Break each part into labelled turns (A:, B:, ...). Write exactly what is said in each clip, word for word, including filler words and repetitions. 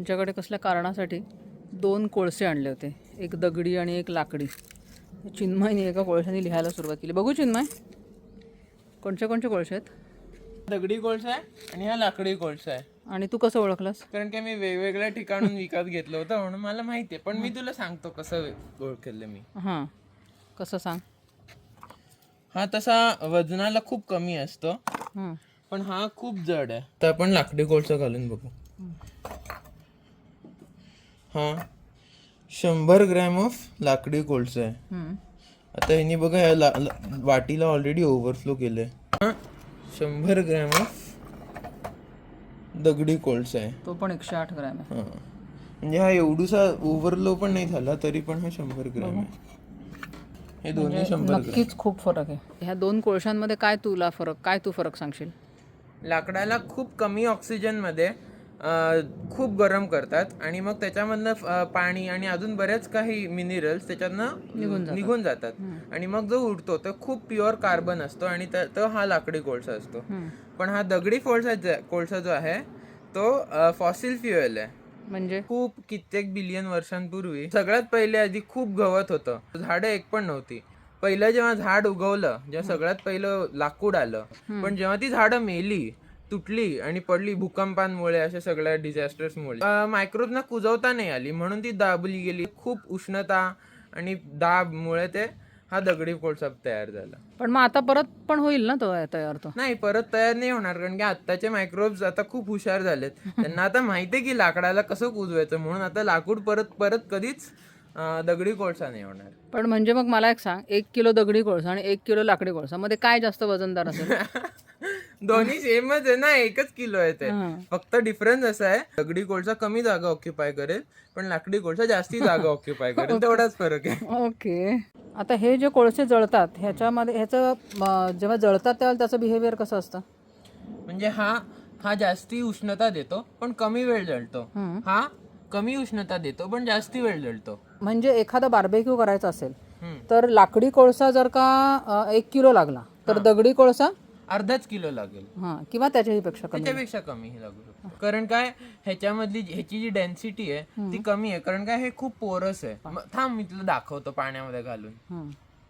A: आमच्याकडे कसल्या कारणासाठी दोन कोळसे आणले होते, एक दगडी आणि एक लाकडी. चिन्मयने एका कोळशाने लिहायला सुरुवात केली. बघू चिन्मय, कोणते कोणते कोळसे आहेत?
B: दगडी कोळसा आहे आणि हा लाकडी कोळसा आहे.
A: आणि तू कसं ओळखलास?
B: कारण की मी वेगवेगळ्या ठिकाणून विकत घेतलं होतं म्हणून मला माहिती आहे. पण मी तुला सांगतो कसं ओळखलं मी.
A: हां, कसं सांग.
B: हा तसा वजनाला खूप कमी असतो,
A: हां,
B: पण हा खूप जड आहे. तर आपण लाकडी कोळसा घालून बघू. हा शंभर ग्रॅम ऑफ लाकडी कोळसा आहे.
A: हम्म.
B: आता ह्यानी बघा ह्या ला- ला- वाटीला ऑलरेडी ओव्हरफ्लो केलंय. हा शंभर ग्रॅम ऑफ दगडी कोळसा आहे.
A: तो पण एकशे आठ ग्रॅम आहे.
B: हा म्हणजे हा एवढूसा ओव्हरफ्लो पण नाही झाला तरी पण हा शंभर ग्रॅम आहे. हे दोन्ही शंभर ग्रॅम.
A: नक्कीच खूप फरक आहे. ह्या दोन कोळशांमध्ये काय तुला फरक काय तू फरक सांगशील?
B: लाकडाला खूप कमी ऑक्सिजनमध्ये अं, खूप गरम करतात आणि मग त्याच्यामधनं अं, पाणी आणि अजून बरेच काही मिनरल्स त्याच्यातनं निघून जातात आणि मग जो उडतो तो खूप प्युअर कार्बन असतो आणि त- तो हा लाकडी कोळसा असतो. पण हा दगडी कोळसा जे- कोळसा जो आहे तो फॉसिल फ्युएल आहे.
A: म्हणजे
B: खूप कित्येक बिलियन वर्षांपूर्वी सगळ्यात पहिले आधी खूप गवत होतं, झाडं एक पण नव्हती. पहिलं जेव्हा झाड उगवलं, जेव्हा सगळ्यात पहिलं लाकूड आलं, पण जेव्हा ती झाडं मेली, तुटली आणि पडली भूकंपांमुळे, अशा सगळ्या डिझास्टर्समुळे, मायक्रोबना कुजवता नाही आली म्हणून ती दाबली गेली. खूप उष्णता आणि दाबमुळे ते हा दगडी कोळसा तयार झाला.
A: पण मग आता परत पण होईल ना तो तयार? तो
B: नाही, परत तयार नाही होणार, कारण की आत्ताचे मायक्रोब्स आता खूप हुशार झालेत. त्यांना आता माहितीये की लाकडाला कसं कुजवायचं, म्हणून आता लाकूड परत परत कधीच अं, दगडी कोळसा नाही होणार.
A: पण म्हणजे मग मला एक सांग, एक किलो दगडी कोळसा आणि एक किलो लाकडी कोळसा मध्ये काय जास्त वजनदार असेल?
B: दोन्ही सेमच आहे ना, एकच किलो आहे ते.
A: हां.
B: फक्त डिफरन्स असा आहे, दगडी कोळसा कमी जागा ऑक्युपाय करेल पण लाकडी कोळसा जास्ती जागा ऑक्युपाय करेल, तेवढाच फरक आहे.
A: ओके. आता हे जे कोळसे जळतात ह्याच्यामध्ये ह्याचं म, जेव्हा जळतात तेव्हा त्याचं बिहेवियर कसं असतं?
B: म्हणजे हा हा जास्ती उष्णता देतो पण कमी वेळ जळतो. हा कमी उष्णता देतो पण जास्ती वेळ जळतो.
A: म्हणजे एखादा बार्बेक्यू करायचा असेल
B: हम्म.
A: तर लाकडी कोळसा जर का अ, एक किलो लागला तर दगडी कोळसा
B: अर्धाच किलो लागेल,
A: हां, किंवा त्याच्याही पेक्षा कमी.
B: त्याच्यापेक्षा कमी लागू शकतो. कारण काय, ह्याच्यामधली ह्याची जी डेन्सिटी आहे ती कमी आहे, कारण काय हे खूप पोरस आहे. म- थांब मी तुला दाखवतो पाण्यामध्ये घालून.
A: हं.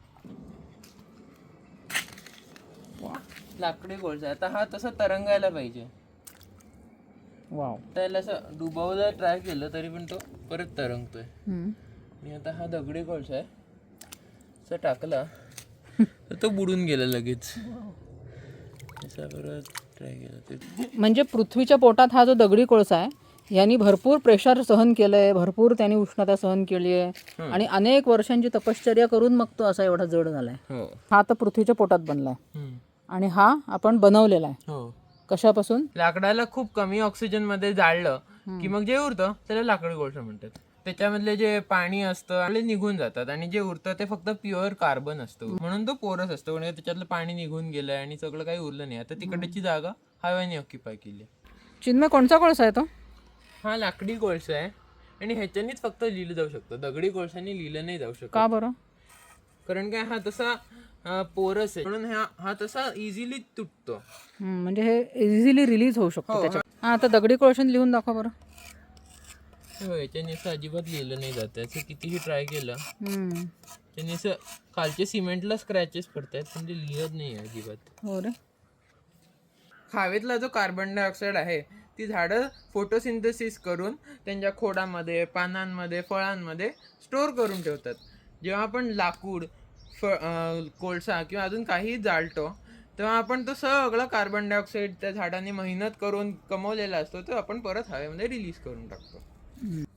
B: लाकडी कोळसा आता हा तसा तरंगायला पाहिजे.
A: वाव.
B: त्याला असं डुबवलं ट्राय केलं तरी पण तो परत तरंगतोय.
A: हं.
B: आणि आता हा दगडी कोळसा आहे, असं टाकला तर तो बुडून गेला लगेच. असा परत ट्राय केला ते.
A: म्हणजे पृथ्वीच्या पोटात हा जो दगडी कोळसा आहे यांनी भरपूर प्रेशर सहन केलंय, भरपूर त्यांनी उष्णता सहन केली आहे आणि अनेक वर्षांची तपश्चर्या करून मग तो असा एवढा जड झालाय.
B: हो.
A: हा आता पृथ्वीच्या पोटात बनलाय
B: हम्म.
A: आणि हा आपण बनवलेला आहे.
B: हो.
A: कशापासून?
B: लाकडाला खूप कमी ऑक्सिजन मध्ये जाळलं की मग जे उरतं त्याला लाकडी कोळसा म्हणतात. त्याच्यामधले जे पाणी असतं ते निघून जातात आणि जे उरतं ते फक्त प्युअर कार्बन असतं, म्हणून तो पोरस असतो. म्हणजे त्याच्यातलं पाणी निघून गेलंय आणि सगळं काही उरलं नाही. आता तिकडची जागा हव्याने ऑक्युपाय केली.
A: चिन्मय, कोणचा कोळसा आहे तो?
B: हा लाकडी कोळसा आहे आणि ह्याच्यानीच फक्त लिहिलं जाऊ शकतं, दगडी कोळशाने लिहिलं नाही जाऊ शकत.
A: का बरं?
B: कारण काय, हा तसा अं, पोरस आहे म्हणून हा हा तसा इझिली तुटतो.
A: हं, म्हणजे हे इझिली रिलीज होऊ शकतो
B: हो,
A: त्याच्यात. हा, आता दगडी कोळशाने लिहून दाखवा बरं.
B: हो, याच्याने असं अजिबात लिहिलं नाही जात. त्याचं कितीही ट्राय केलं
A: हं.
B: त्याने असं खालचे सिमेंटला स्क्रॅचेस पडतात पण ते लिहत नाही आहे अजिबात.
A: हो रे.
B: हवेतला जो कार्बन डायऑक्साईड आहे ती झाडं फोटोसिंथेसिस करून त्यांच्या खोडामध्ये, पानांमध्ये, फळांमध्ये स्टोअर करून ठेवतात. जेव्हा आपण लाकूड, फ अं, कोळसा किंवा अजून काही जाळतो तेव्हा आपण तो सगळा कार्बन डायऑक्साईड त्या झाडाने मेहनत करून कमवलेला असतो तो आपण परत हवेमध्ये रिलीज करून टाकतो.